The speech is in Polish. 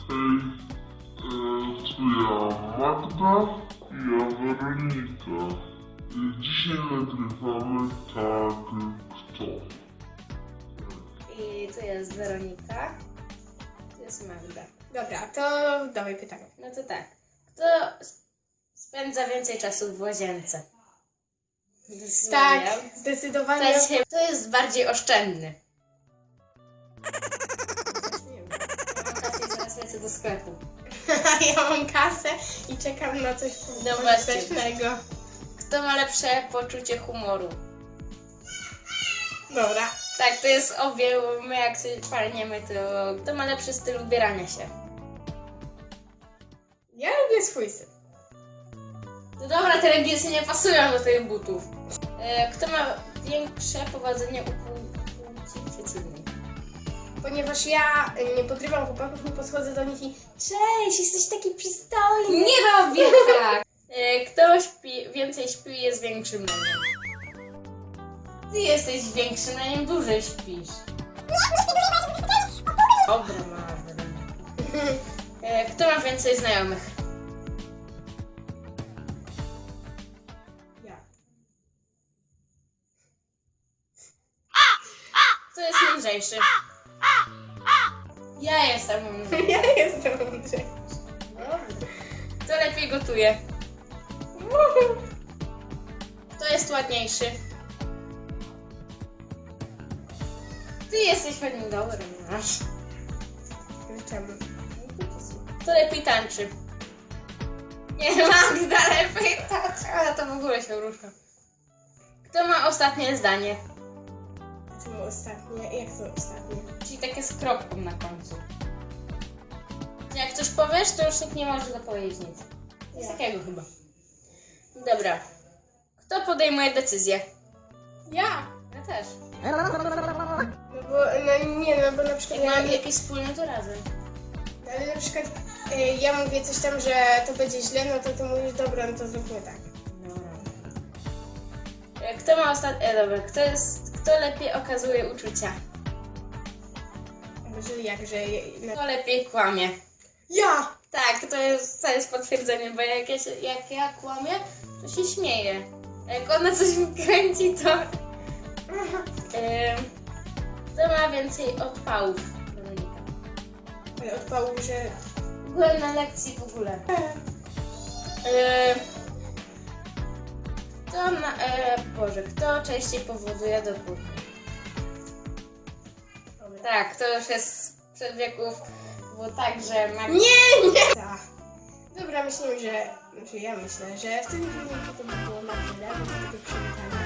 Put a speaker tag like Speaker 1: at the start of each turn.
Speaker 1: Tu ja Magda i ja Weronika. Dzisiaj nagrywamy tak kto.
Speaker 2: I tu jest Weronika, tu jest Magda.
Speaker 3: Dobra, to dawaj pytanie.
Speaker 2: No to tak, kto spędza więcej czasu w łazience?
Speaker 3: Tak, zdecydowanie.
Speaker 2: Kto jest bardziej oszczędny?
Speaker 3: Nie wiem.
Speaker 2: Ja mam kasę i zaraz lecę do sklepu.
Speaker 3: Ja mam kasę i czekam na coś
Speaker 2: No właśnie.
Speaker 3: pożytecznego.
Speaker 2: Kto ma lepsze poczucie humoru?
Speaker 3: Dobra.
Speaker 2: Tak, to jest obie, my jak sobie palniemy, to kto ma lepszy styl ubierania się?
Speaker 3: Ja lubię swój styl.
Speaker 2: No dobra, te leginsy nie pasują do tych butów. Kto ma większe powodzenie u płci przeciwnej?
Speaker 3: Ponieważ ja nie podrywam chłopaków, nie podchodzę do nich i cześć, jesteś taki przystojny.
Speaker 2: Nie robię tak! Kto więcej śpi i jest większym leniem? Ty jesteś większym leniem, dłużej śpisz. Dobra, Marta. Kto ma więcej znajomych?
Speaker 3: Ja.
Speaker 2: Kto jest mądrzejszy? Ja jestem mądrzejszy.
Speaker 3: Ja jestem mądrzejsza.
Speaker 2: Kto lepiej gotuje? Kto jest ładniejszy? Ty jesteś pewnie dobry, masz.
Speaker 3: Czemu?
Speaker 2: Kto lepiej tańczy? Nie, Magda lepiej tańczy, ale to w ogóle się rusza. Kto ma ostatnie zdanie?
Speaker 3: Czemu ostatnie? Jak to ostatnie?
Speaker 2: Czyli takie z kropką na końcu. Jak coś powiesz, to już nikt nie może dopowiedzieć nic. Coś takiego chyba. Dobra. Kto podejmuje decyzję?
Speaker 3: Ja.
Speaker 2: Ja też.
Speaker 3: No bo, no nie, no bo na przykład
Speaker 2: Jak mamy jakieś wspólne, to razem.
Speaker 3: ale na przykład ja mówię coś tam, że to będzie źle, no to ty mówisz, dobra, no to zróbmy tak.
Speaker 2: Kto ma ostatnie... Dobra, kto lepiej okazuje uczucia?
Speaker 3: Może jakże...
Speaker 2: Kto lepiej kłamie?
Speaker 3: Ja!
Speaker 2: Tak, to jest potwierdzenie, bo jak ja kłamię, to się śmieję. A jak ona coś wykręci, to... Kto ma więcej odpałów? Weronika.
Speaker 3: Ale odpału, że...
Speaker 2: Byłem na lekcji w ogóle. Kto częściej powoduje dopór? Tak, to już jest sprzed wieków, bo tak, że
Speaker 3: Nie! Tak. Dobra, myślę, że... Znaczy ja myślę, że w tym filmiku to by było na tyle, bo do tego przywitania.